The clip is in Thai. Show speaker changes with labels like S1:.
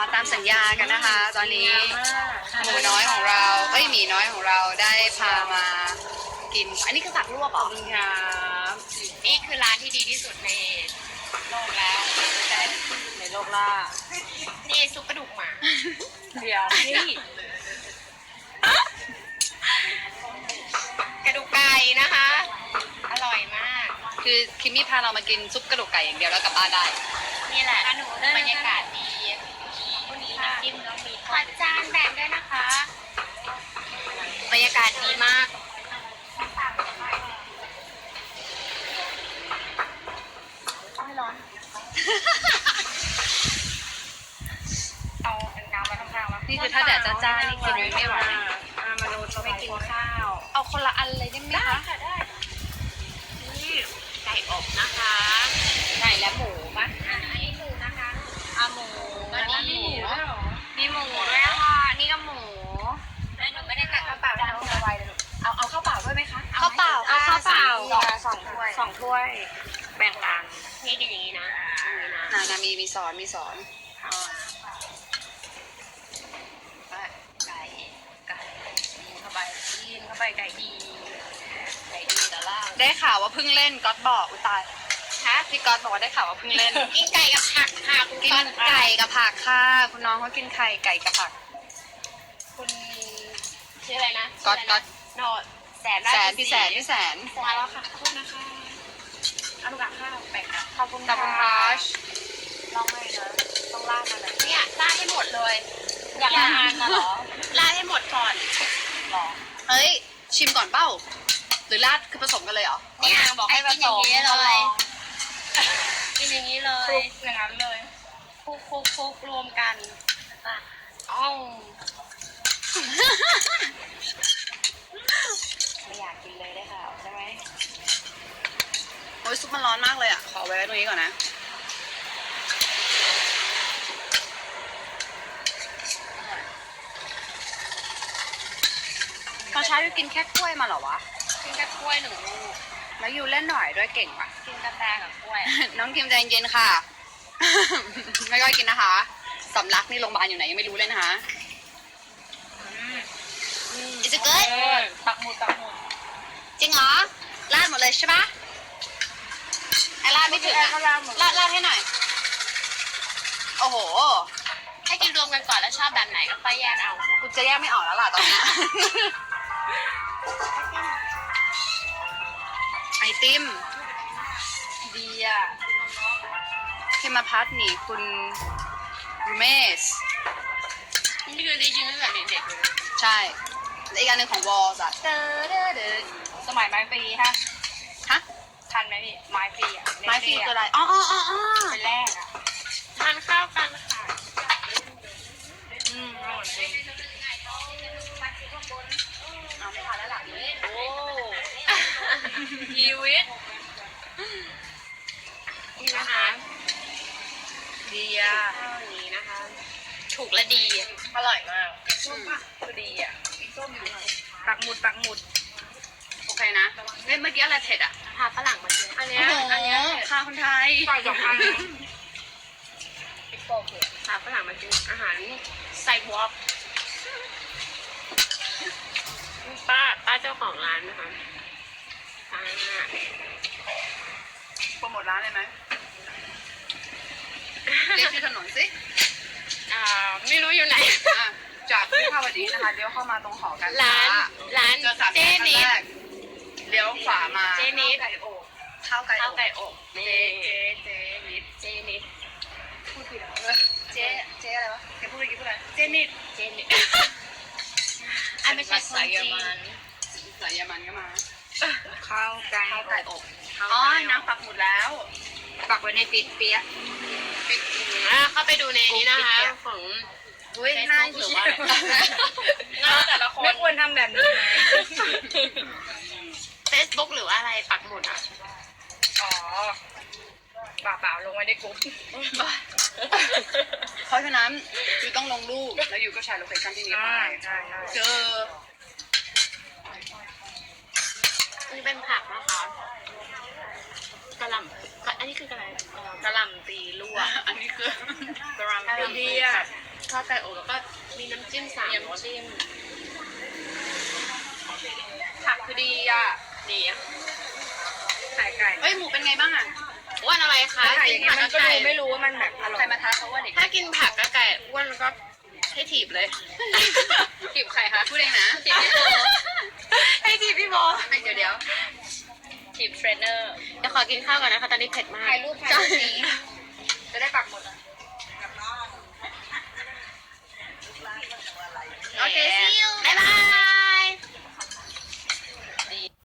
S1: มาตามสัญญากันนะคะ ตอนนี้หมูน้อยของเราหมีน้อยของเราได้พามากิน อันนี้คือผักลวกเหรอครับนี่คือร้านที่ดีที่สุดในโลกแล้วในโลกล่านี่ซุปกระดูกหมาเดี๋ยวนี่กระดูกไก่นะคะ อร่อยมาก คือคิมมี่พาเรามากินซุปกระดูกไก่อย่างเดียวแล้วกลับบ้านได้นี่แหละบรรยากาศดีมีน้ำจิ้มแล้วมีขอจานแบ่งด้วยนะคะบรรยากาศดีมากไม่ร้อนเอาน้ำมาข้างๆวะนี่คือถ้าแดดจ้าๆนี่กินไม่ไหวมนุษย์ไม่กินข้าวเอาคนละอันเลยได้ไหมคะได้นี่ไก่อบนะคะไก่และหมูป่ะอันนี้หมูนะคะหมูอันนี้มีหมูด้วยค่ะนี่ก็หมูหนูไม่ได้ตักข้าวเปล่าแล้วเอาไว้เลยเอาข้าวเปล่าด้วยไหมคะข้าวเปล่าข้าวเปล่าสองถ้วยแบ่งกันนี่กินอย่างนี้นะนะมีสอนไก่เข้าไปกินเข้าไปไก่ดีแต่ล่าได้ข่าวว่าเพิ่งเล่นก๊อตบอกอุยตายฮะพี่ก๊อตบอกว่าได้ข่าวว่าเพิ่งเล่นกินไก่กับผักค่ะกินไก่กับผักค่ะคุณน้องเขากินไก่กับผักคุณชื่ออะไรนะก๊อตโนดแสนพี่แสนมาแล้วค่ะขอบคุณนะคะอนุกาข้าวแบ่งกันขอบคุณค่ะลองเลยนะต้องราดมาเลยเนี่ยราดให้หมดเลยอยากทานนะหรอราดให้หมดก่อนหรอเฮ้ยชิมก่อนเป้าหรือราดคือผสมกันเลยเหรอเนี่ยบอกให้ผสมเลยกินอย่างนี้เลยอย่างนั้นเลยคุกรวมกันอ้าวไม่อยากกินเลยได้ค่ะใช่ไหมโอ้ยซุปมันร้อนมากเลยอ่ะขอไว้ตรงนี้ก่อนนะตอนเช้ายูกินแค่กล้วยมาเหรอวะกินแค่กล้วย1 ลูกแล้วยูเล่นหน่อยด้วยเก่งป่ะกินกาแฟกับกล้วย น้องคิมใจเย็นค่ะ ไม่ค่อยกินนะคะสำลักนี่โรงพยาบาลอยู่ไหนยังไม่รู้เลยนะคะIs it good ตักหมดจริงเหรอราดหมดเลยใช่ปะไอ้ราดไม่ถึงราดให้หน่อยโอ้โหให้กินรวมกันก่อนแล้วชอบแบบไหนก็ค่อยแยกเอากูจะแยกไม่ออกแล้วล่ะตอนนี้ ไอติมดีอ่ะเคมาพัทนี่คุณรูเมสนี่คือดีจริงตั้งแต่เด็กๆใช่และอีกอันหนึ่งของวอลส์อะสมัยไม้ฟรีฮะทันไหมพี่ไม้ฟรีอะไม้ฟรีคืออะไรอ๋อเป็นแรกอะทานข้าวกันค่ะอร่อยจริงเอาไม่ทานแล้วหลับเลยโอ้ชีวิตนี่นะคะดีอ่ะนี้นะคะถูกและดีอร่อยมากคือดีอ่ะส้มอยู่ปักหมุดโอเคนะเมื่อกี้อะไรเผ็ดอ่ะพาฝรั่งมากินอันเนี้ยพาคนไทยก่อน2 อันพาฝรั่งมากินอาหารไซวอล์กป้าเจ้าของร้านนะคะโปรโมทร้านเลยไหมเรียกชื่อถนนสิไม่รู้อยู่ไหนจากวิภาวดีนะคะเลี้ยวเข้ามาตรงหอการค้าร้านเจนิดเลี้ยวขวามาเจนิดข้าวไก่อบเจนิดพูดผิดเหรอเจอะไรวะแกพูดอะไรเจนิดอันไม่ใช่สายยามันก็มาข้าวไก่อบอ๋อน้ำปักหมุดแล้วปักไว้ในปิดเปียกเข้าไปดูในนี้นะคะของน่าหรือว่าแต่ละคนไม่ควรทำแบบนี้นะ Facebook หรือว่าอะไรปักหมุดอ่ะอ๋อเปล่าลงไว้ในกลุ่มเพราะฉะนั้นยูต้องลงรูปแล้วยูก็แชร์โลเคชั่นที่นี้ไปเจอนี่เป็นผักนะคะกระหล่ำอันนี้คือกระหล่ำตีลวกอันนี้คือกระหล่ำตีดีอ่ะข้าวไก่อบแล้วก็มีน้ำจิ้ม3 รสจิ้มผักคือดีอ่ะดีอ่ะไข่ไก่เอ้ยหมูเป็นไงบ้างอ่ะอ้วนอะไรคะไข่อย่างเงี้ยมันก็ดูไม่รู้ว่ามันแบบอร่อยใครมาท้าเขาว่าเด็กถ้ากินผักกับไก่อ้วนก็ให้ถีบเลยถีบใครคะพูดเองนะถีบพี่โบให้ถีบพี่โบเดี๋ยวถีบเทรนเนอร์เดี๋ยวขอกินข้าวก่อนนะคะตอนนี้เผ็ดมากถ่ายรูปนี้